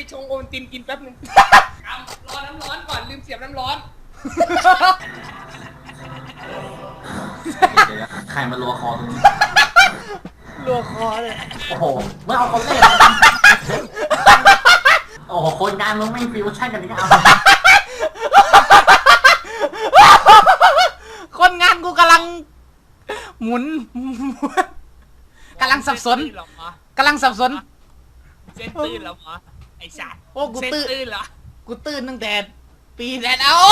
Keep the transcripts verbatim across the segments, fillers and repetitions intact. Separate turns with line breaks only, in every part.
ชงโอวัลตินกินแป๊บนึงรอน้ำร้อนก่อนลืมเสียบน้ำร้อน
เดี๋ยวใครมาลัวคอตรงนี้
รัวคอเลย
โอ้โหเมื่อเอาคนเล่นโอ้โหคนงานมึงไม่ฟิวชั่นกันนี่ก็เอา
คนงานกูกำลังหมุนกำลังสับสนกำลังสับสน
เส้นตื้นเหรอหมอไอ้สัตว์
โอ้กูตื้น
ตื้นเหรอ
กูตื้นตั้งแต่ปีแรกเอา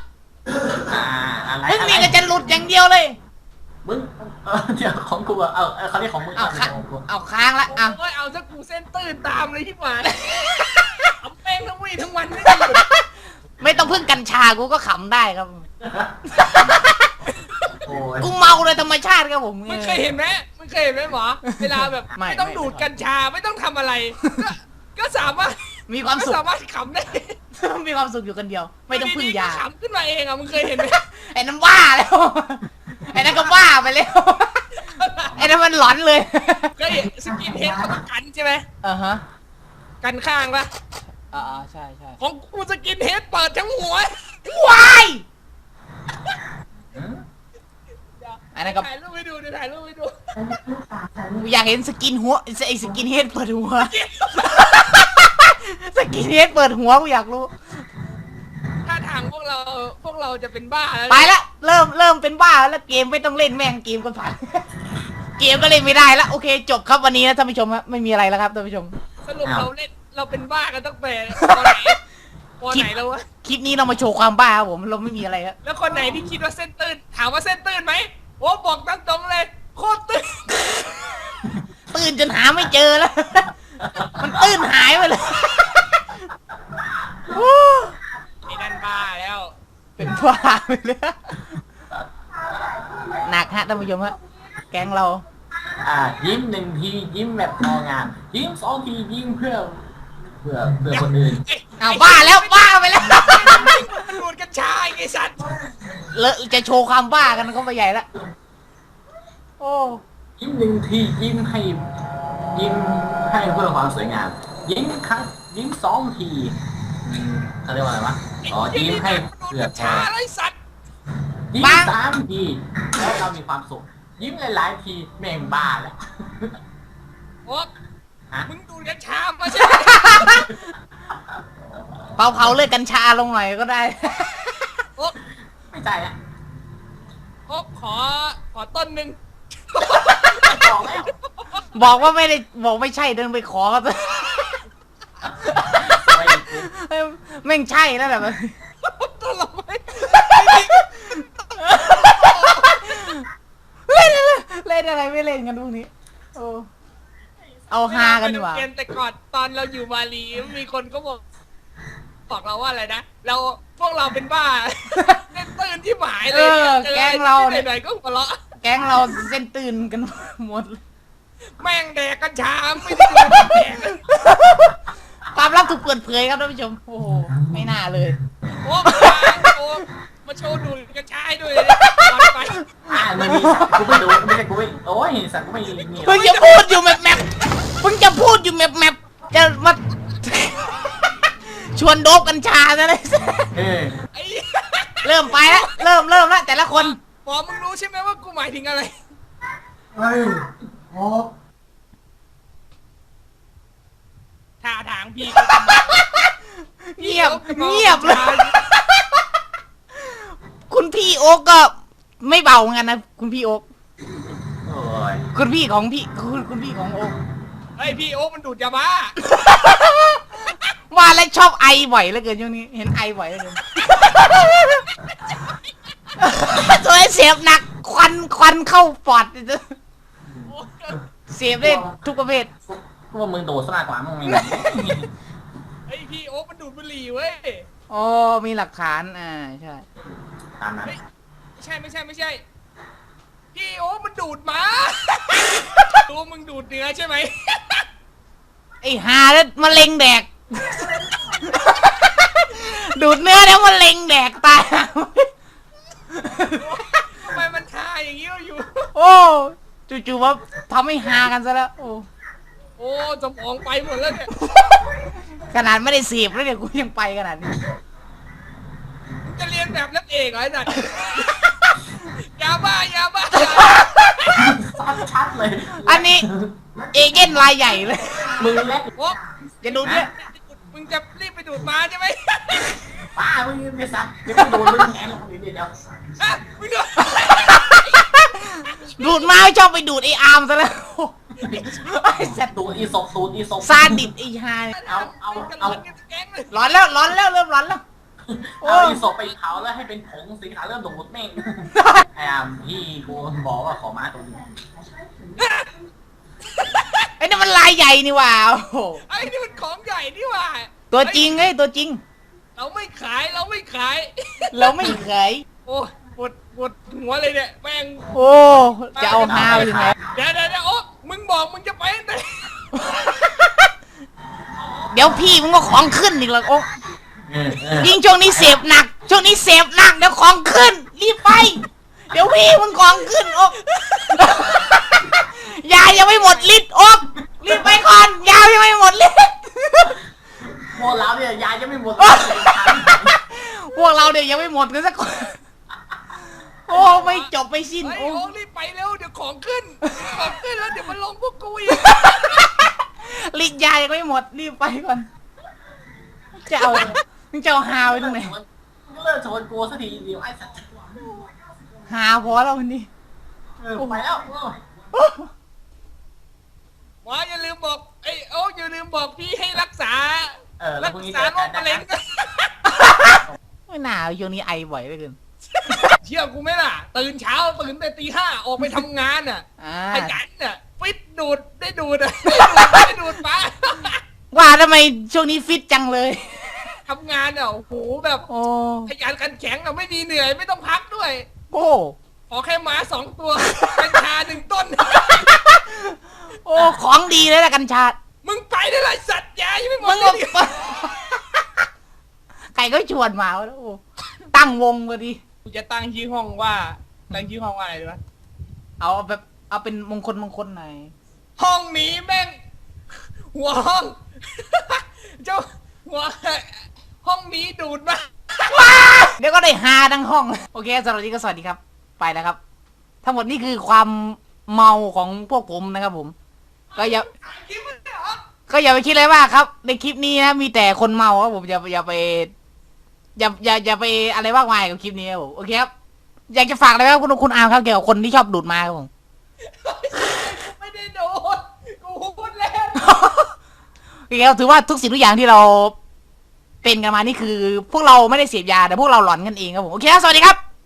อะไร
มึงมีแต่จะหลุดอย่างเดียวเลย
มึงเออเดี๋ยวของกูเอาเขาเรียกของมึง
เอาค้างเอาค้างละเอา
โอ้ยเอาซะกูเส้นตื้นตามเลยที่หวานทำแป้งทั้งวี่ทั้งวันไม่ได้หยุด
ไม่ต้องพึ่งกัญชากูก็ขำได้ครับกูเมาเลยธรรมชาติครับผม
มึงเคยเห็นไหมมึงเคยเห็นไหมหมอเวลาแบบไม่ต้องดูดกัญชาไม่ต้องทำอะไรก็สามารถ
มีความสุข
สามารถขำได้
มีความสุขอยู่กันเดียวไม่ต้องพึ่งยา
ขำขึ้นมาเองอ่ะมึงเคยเห็นไหม
ไอ้นั่นบ้าแล้วไอ้นั่นก็บ้าไปแล้วไอ้นั่นมันหลอนเลย
เคยสกินเฮดเขาต้องกันใช่ไหม
อ่าฮะ
กันข้างปะ
อ่าใช่ใช่
ของกูสกินเฮดเปิดทั้งหัว
วายอันนั้นก็
ถ่ายรูปให้ดูดิถ่ายรูปให้ดู
อยากเห็นสกินหัวไอ้สกินเฮดเปิดหัวสกินเฮดเปิดหัวกูอยากรู้
ถ้าทางพวกเราพวกเราจะเป็นบ้าแล้ว
ไปละเริ่มเริ่มเป็นบ้าแล้วเกมไม่ต้องเล่นแม่งเกมก็ผ่านเกมก็เล่นไม่ได้แล้วโอเคจบครับวันนี้นะท่านผู้ชมครับไม่มีอะไรแล้วครับท่านผู้ชม
สรุปเราเล่นเราเป็นบ้ากันตั้งแต่ตอนไหนตอนไหนแล้ววะ
คลิปนี้เรามาโชว์ความบ้าครับผมเราไม่มีอะไรครับ
แล้วคนไหนที่คิดว่าเส้นตื้นถามว่าเส้นตื้นไหมโอ้บอกตรงตรงเลยโคตรตื้น
ตื้นจนหาไม่เจอแล้วมันตื้นหายไปเลย
ไอ้นั่นบ้าแล้ว
เป็นบ้าไปเลยหนักฮะท่านผู้ชมฮะแก๊งเรา
อ่ายิ้มหนึ่งทียิ้มแบบพองานยิ้มสองทียิ้มเพื่อเพื่อเพื่อคนอื่น
เอาบ้าแล้วบ้าไปแล้ว
มันดูดกัญชาไอ้สัตว์
เลอะจะโชว์ความบ้ากันก็ไปใหญ่ละโอ้
ยิ้มหนึ่งทียิ้มให้ยิ้มให้เพื่อความสวยงามยิ้มครั้งยิ้มสองทีเขาเรียกว่าอะไรวะอ๋อยิ้มให้เพื่อแพ้ยิ้มสามทีแล้วเรามีความสุขยิ้มหลายๆทีแม่งบ้าแล้ว
โอ๊ะมึงดูกัญชามาใช่ไหม
เผาเผาเลยกัญชาลงหน่อยก็ได้
โอ๊ะ
ไม่ใจอ่ะ
โอ๊ะขอขอต้นหนึ่ง
บอกแล้ว
บอกว่าไม่ได้บอกไม่ใช่เดินไปขอครับแม่งใช่แล้วแหละมัน
ต้นละไม่
เล่นอะไรเล่นอะไรไม่เล่นกันพวกนี้โอ้เอาฮากันดีกว่า
แต่ก่อนตอนเราอยู่มาลีมีคนก็บอกบอกเราว่าอะไรนะเราพวกเราเป็นบ้าเส้นตื่นที่หมายเลย
แก๊งเรา
ไหนๆก็หัวเราะ
แก๊งเราเส้นตื่นกันหมด
แม่งแดกกัญชาไม่ได้ดูแดก
ความลับถูกเปิดเผยครับท่านผู้ชมโอ้โหไม่น่าเลย
โอ้โหมาโชว์ดูกัญชาด้วยตอนไป
อ่าไม่มีกูไม่ดูไม่ใช่กูไม่โอ้ยสัตว์กูไม่มี
เพิ่งจะพูดอยู่แมปแมปเพิ่งจะพูดอยู่แมปแมปจะมาชวนโดบกัญชาซะเลยเริ่มไปแล้วเริ่มเริ่มแล้วแต่ละคน
หมอมึงรู้ใช่ไหมว่ากูหมายถึงอะไร
เฮ้ยโอ้
ท่าทางพี่
เงียบเงียบเลยคุณพี่โอ๊กก็ไม่เบาเหมือนกันนะคุณพี่โอ๊กคุณพี่ของพี่คุณคุณพี่ของโอ๊ก
เฮ้ยพี่โอ๊กมันดูดยาบ้า
ว่าแล้วชอบไอบ่อยเหลือเกินช่วงนี้เห็นไอบ่อยเหลือเกินตัวเสียบหนักควันควันเข้าปอดเสียบได้ทุกประเภท
พวกมึงโดดซะมากกว่ามึงมี
ไอพี่โอ๊กมันดูดบุหรี่เว้ย
อ๋อมีหลักฐานอ่าใช่
ตามนั้น
ไม่ใช่ไม่ใช่ไม่ใช่พี่โอ๊กมันดูดมาตัวมึงดูดเนื้อใช่ไหม
ไอหาแล้วมะเร็งแดกดูดเนื้อแล้วมะเร็งแดกตาย
ทำไมมันทาอย่างนี้อยู่
โอ้จู่ๆว่าทำให้ฮากันซะแล้วโอ้
โอ้สมองไปหมดแล้วเนี่ย
ขนาดไม่ได้เสพแล้วเนี่ยกูยังไปขนาดนี้
มึงจะเรียนแบบนักเอกเหรอไอ้สัตว์ ยาบ้ายาบ้า
ชัดเลย
อันนี้เอเจนต์รายใหญ่เลย
มือเล็ก
โอ้
จะดูเนี่ย
มึงจะรีบไปดูดมาใช่ไหม
ป้ามึงไม่ซักเดี๋ยวมึงโดนมึงแงนลงนิดเดียว
ฮะมึงดู
ดูดมาชอบไปดูดไออาร์มซะแล้วไอ้สัตว์
ตูดอีศพตูดอีศพ
ซาดิสไอ้ฮา
เอาเอา
กัน
เอา
ร้อนกันแก๊งเลย
ร้อนแล้วร้อนแล้วเริ่มร้อนแล้ว
เอาอีศพไปเผาแล้วให้เป็นผงสีขาวเริ่มดูดแม่งไอ้อามพี่กูบอกว่าขอมาตัวนึง
ไอ้นี่มันลายใหญ่นี่หว่าโอ้โห
ไอ้นี่มันของใหญ่นี่หว่า
ตัวจริงไอ้ยตัวจริง
เราไม่ขายเราไม่ขาย
เราไม่เคย
โอ้ปวดปวดหัวเลยเนี่ยแม่ง
โอ้จะเอาฮาไปถึงไหน
เดี๋ยวเดี๋ยวเดี๋ยวโอ้มึงบอกมึงจะไปไหน
เดี๋ยวพี่มึงก็ของขึ้นอีกแล้วโอ้
เออเออ
ยิ่งช่วงนี้เสพหนัก ช่วงนี้เสพหนักเดี๋ยวของขึ้น รีบไป เดี๋ยวพี่มึงของขึ้นโอ๊ก ยายังไม่หมดฤทธิ์โอ๊กรีบไปก่อนยายังไม่หมดฤทธิ์
พวกเราเนี่ยยายจะไม่หมด
พวกเราเดี๋ยวยังไม่หมดกันสักคนโอ้ไม่จบไม่สิ้น
เฮ้ย
โอ้
โอ้รีบไปเร็วเดี๋ยวของขึ้นของขึ้นแล้วเดี๋ยวมันลงพวกกูอีก
ฤทธิ์ยายังไม่หมดรีบไปก่อนจะเอามึงจะเอาฮาไว้ตรงไหน
เลิกชนกูสักทีเดียวไอ้สัตว์
ฮาพอแล้ววันนี้
เออไปแล้ว
หมออย่าลืมบอกไอ้โอ้อย่าลืมบอกพี่ให้รักษา
เออแล้
รั
ว
ก
พรุ่งนี้
ษา
เจอ
โร
กั
คน มะเร็ง
นะ
ไม่น่าช่วงนี้ไอบ่อยเหลือเกิน
เชื่อกูไหมล่ะ ตื่นเช้าตื่นแต่ตีห้าออกไปทำงานอ่ะ
อ่า
ขยันอ่ะฟิตดูดได้ดูดอ่ะได้ดูดฟ้า
ว่าทำไมช่วงนี้ฟิตจังเลย
ทำงานอ่ะโอ้โหแบบ
โอ้
ขยันขันแข็งอ่ะไม่มีเหนื่อยไม่ต้องพักด้วย
โอ้
ขอแค่หมาสองตัวกัญชาหนึ่งต้น
โอ้ของดีเลยละกัญชา
มึงไปได้ไรสัตว์ยายังไม่หม
มึ
ด
ง
เล
ก็
ย
ไก่ก็ชวนมาแล้วโอ้ตั้งวงพอดี
กูจะตั้งชื่อห้องว่าตั้งชื่อห้องว่าอะไรดีวะ
เอาแบบเอาเป็นมงคลมงคลหน่อย
ห้องนี้แม่ง หัวห้อง เจ้าหัวห้องนี้ดูดมา
เดี๋ยวก็ได้ฮาทั้งห้อง โอเคสำหรับวันนี้ก็สวัสดีครับ ไปแล้วครับ ทั้งหมดนี่คือความเมาของพวกผมนะครับผม ก็อย่า
คิดว่าเหรอ
ก็อย่าไปคิดเลยว่าครับ ในคลิปนี้นะมีแต่คนเมาครับผมอย่าอย่าไป อย่าอย่าอย่าไปอะไรมากมายกับคลิปนี้ครับผมโอเคครับอยากจะฝากอะไรไหมครับคุณคุณอาร์มครับเกี่ยวกับคนที่ชอบดูดมาครับผม
ไม่ได้โดนกูพูดแล้ว
โอเคครับถือว่าทุกสิ่งทุกอย่างที่เราเป็นกันมานี่คือ พวกเราไม่ได้เสพยาแต่พวกเราหลอนกันเองครับผมโอเคครับสวัสดีครับ